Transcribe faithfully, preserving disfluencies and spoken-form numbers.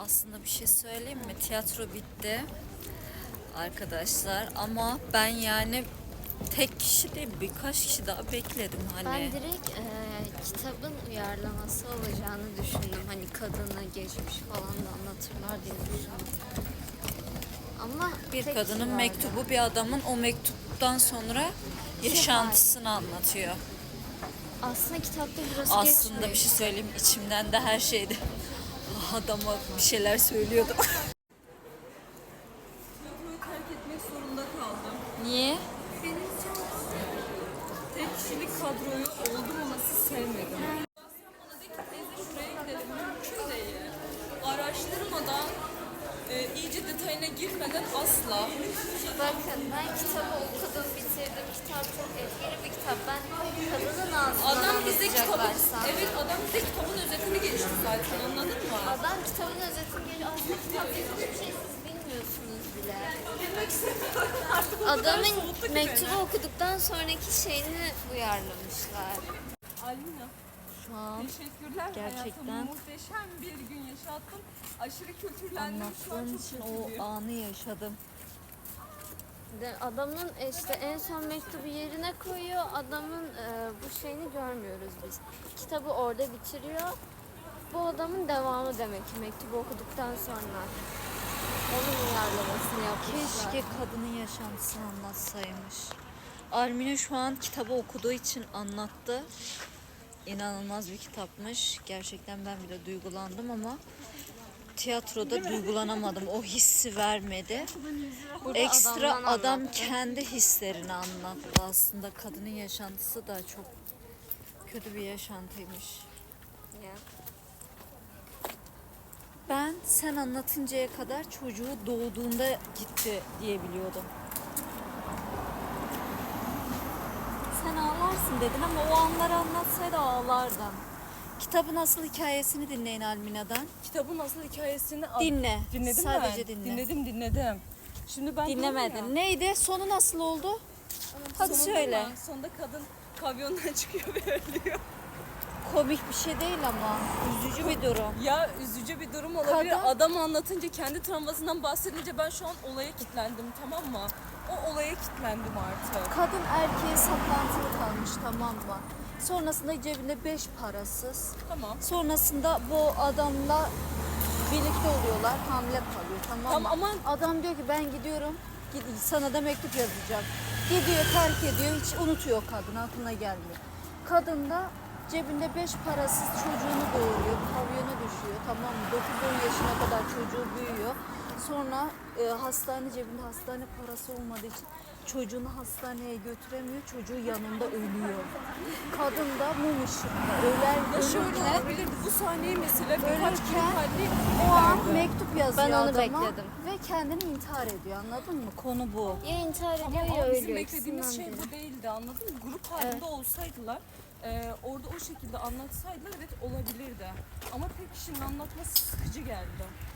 Aslında bir şey söyleyeyim mi? Tiyatro bitti arkadaşlar ama ben yani tek kişi değil birkaç kişi daha bekledim hani. Ben direkt e, kitabın uyarlaması olacağını düşündüm. Hani kadını geçmiş falan da anlatırlar diye düşündüm. Ama Bir tek kadının kişi vardı. mektubu bir adamın o mektuptan sonra yaşantısını anlatıyor. Aslında kitapta burası Aslında geçmiyor. bir şey söyleyeyim içimden de her şeydi. Adama bir şeyler söylüyordum. Tiyatroyu terk etmek zorunda kaldım. Niye? Benim tek kişilik kadroyu oldum olası sevmedim. Sen bana de ki teyze şuraya gidelim. Mümkün değil. Araştırmadan, e, iyice detayına girmeden asla. Bakın ben kitabı okudum, bitirdim. Kitap çok etkili bir kitap. Ben kadının ağzından Adam bize kitabın, anlatacaklarsa. evet adam bize kitabın özetini geçti zaten, anladın mı? Adam kitabın özetini geliyor. Aslında kitap hiçbir şey siz bilmiyorsunuz bile. Adamın mektubu okuduktan sonraki şeyini uyarlamışlar. Alina, Şu an teşekkürler. Gerçekten. Hayatımı muhteşem bir gün yaşattın. Aşırı kültürlendim. Şu an anlattığın çok için mutluyum. o anı yaşadım. De adamın işte en son mektubu yerine koyuyor. Adamın e, bu şeyini görmüyoruz biz. Kitabı orada bitiriyor. Bu adamın devamı demek ki mektubu okuduktan sonra. Onun uyarlamasını yapmışlar. Keşke kadının yaşantısını anlatsaymış. Armine şu an kitabı okuduğu için anlattı. İnanılmaz bir kitapmış. Gerçekten ben bile duygulandım ama tiyatroda duygulanamadım. O hissi vermedi. Burada Ekstra adamdan adam anlattı. kendi hislerini anlattı. Aslında kadının yaşantısı da çok kötü bir yaşantıymış. Ya. Ben sen anlatıncaya kadar çocuğu doğduğunda gitti diye biliyordum. Sen ağlarsın dedin ama o anları anlatsaydı ağlardım. Kitabın asıl hikayesini dinleyin Almina'dan. Kitabın asıl hikayesini al- Dinle. Dinledin Sadece mi? dinle. Dinledim dinledim. Şimdi ben diyorum ya, Dinlemedin. Neydi? Sonu nasıl oldu? Hadi sonunda söyle. mı? Sonunda kadın pavyondan çıkıyor ve ölüyor. Komik bir şey değil ama üzücü bir durum. Ya üzücü bir durum olabilir. Kadın- Adam anlatınca, kendi travmasından bahsedince ben şu an olaya kilitlendim, tamam mı? O olaya kilitlendim artık. Kadın erkeğe saplantılı kalmış, tamam mı? Sonrasında cebinde beş parasız. Tamam. Sonrasında bu adamla birlikte oluyorlar, hamile kalıyor, tamam mı? Tamam ama Adam diyor ki ben gidiyorum, gid- sana da mektup yazacağım. Gidiyor, terk ediyor, hiç unutuyor kadın, aklına gelmiyor. Kadın da cebinde beş parasız çocuğunu doğuruyor, pavyona düşüyor, tamam mı? dokuz on yaşına kadar çocuğu büyüyor. Sonra e, hastane cebinde hastane parası olmadığı için çocuğunu hastaneye götüremiyor, çocuğu yanında ölüyor. Kadın da mum ışığında öler, ya şöyle ölürken, olabilirdi. Bu sahneyi mesela birkaç kere ölürken halde o an mektup yazıyor Ben onu adama bekledim. ve kendini intihar ediyor, anladın mı? Konu bu. Ya intihar ediyor Ama ya o bizim ölüyor. beklediğimiz İkisinden şey biri. bu değildi, anladın mı? Grup halinde olsaydılar, e, orada o şekilde anlatsaydılar evet olabilirdi. Ama tek kişinin anlatması sıkıcı geldi.